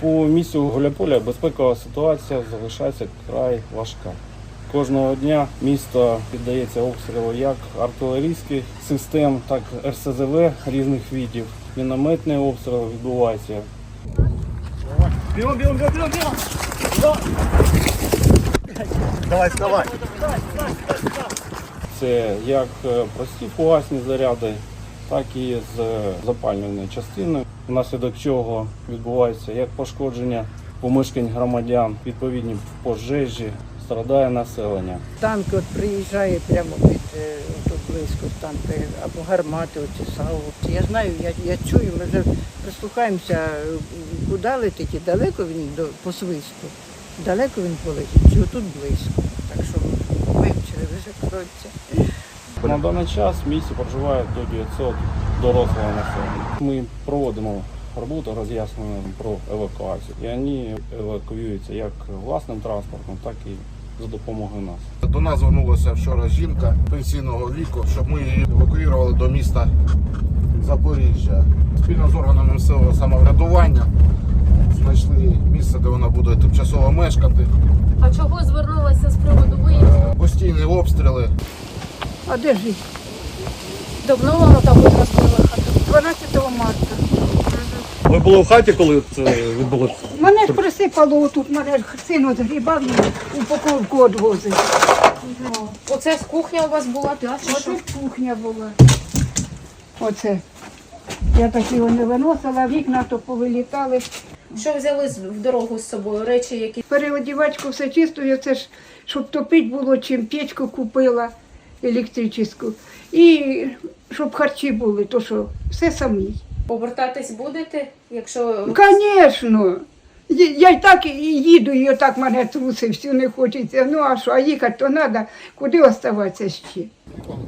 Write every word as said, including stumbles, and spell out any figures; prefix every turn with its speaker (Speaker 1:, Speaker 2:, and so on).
Speaker 1: По місту Гуляйполя безпекова ситуація залишається вкрай важка. Кожного дня місто піддається обстрілу як артилерійських систем, так і ер ес зе ве різних видів. Мінометний обстріл відбувається.
Speaker 2: Бігом, бігом, бігом, бігом, бігом! Давай, вставай!
Speaker 1: Це як прості фугасні заряди, так і з запалювальною частиною, внаслідок чого відбувається як пошкодження помешкань громадян, відповідні пожежі, страдає населення.
Speaker 3: Танк от приїжджає прямо під е, тут близько танки, або гармати, оці САУ. Я знаю, я, я чую, ми вже прислухаємося, куди летить і далеко він до, по свисту. Далеко він полетить, чи отут близько. Так що вивчили, вже кроться.
Speaker 1: На даний час в місті проживає до дев'ятисот дорослого населення. Ми проводимо роботу роз'яснення про евакуацію. І вони евакуюються як власним транспортом, так і за допомогою нас.
Speaker 4: До нас звернулася вчора жінка пенсійного віку, щоб ми її евакуювали до міста Запоріжжя. Спільно з органами місцевого самоврядування знайшли місце, де вона буде тимчасово мешкати.
Speaker 5: А чого звернулася з приводу виїзду?
Speaker 4: Постійні обстріли.
Speaker 3: А де ж їх?
Speaker 5: Давно воно там розбила хату?
Speaker 3: дванадцятого марта.
Speaker 2: Ви були в хаті, коли це відбулося?
Speaker 6: Мене ж присипало отут, мене ж син от грібав і упаковку відвозив.
Speaker 5: Оце з кухня у вас була, так? Чи що?
Speaker 6: Оце ж кухня була. Оце. Я так його не виносила, вікна то повилітали.
Speaker 5: Що взяли з- в дорогу з собою? Речі, які
Speaker 6: Переодівачку все чисто, я це ж, щоб топити було, чим печку купила електричну. І щоб харчі були, то що, все самі.
Speaker 5: повертатись будете, якщо
Speaker 6: Звісно. Я й так і їду, і отак мене трусить, всю не хочеться. Ну а що, а їхати то треба, куди оставатися ще?